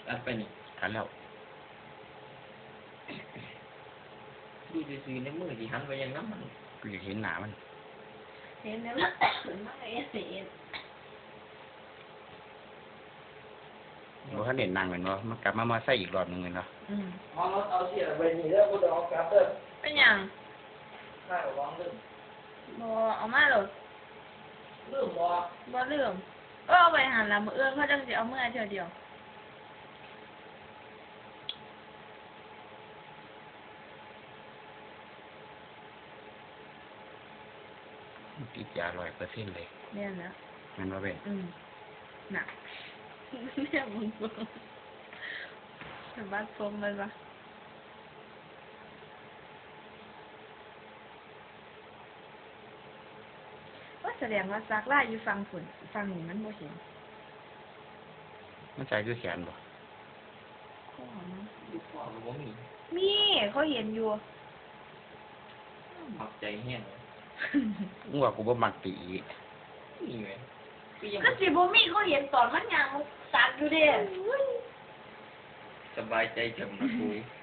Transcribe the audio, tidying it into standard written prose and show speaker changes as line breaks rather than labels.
อัดไปนี่
ทันแล้ว
ดูซื่อๆในมือที่หันไปยังน้ำมัน
กูอยากเห็นหนามัน
เห็นแล้วมันมันไอ้เสีย
บ่ทันเด่นนางเหมือนว่ามันกลับมาใส่อีกรอบหนึงเลยเนาะ
เอารถเอาเสียไปนี่แล้วกูจะเอากลับเด้อ
เป็นหยัง
ข้าววางลืม
บ่เอามาหรอก
ลืมบ่
บ่ลืมเอาไปหันละมื้ออื่นเขาจังสิเอามื้อเทื่อเดียว
ติดยา100%เลย
เนี่ยนะ
แมันว่าเป็น
น่ะเนี่ยมึงบ่สบัดผมมันวะว่าแสดงว่าซักลายอยู่ฝั่งฝุ่นฝั่งนี้มันบ่เห็น
มันใจคือแขนบ่
ข้อมัน
ดูขวาบ่มี
มีเขาเห็นอยู่
หมักใจแห้ง
มึงว่ากูบ่มักตี
นี่ไงก็ยัง
ก็สิบ่มีเขาเห็นตอนมันยังซักอยู่เด้
สบายใจจังนะกู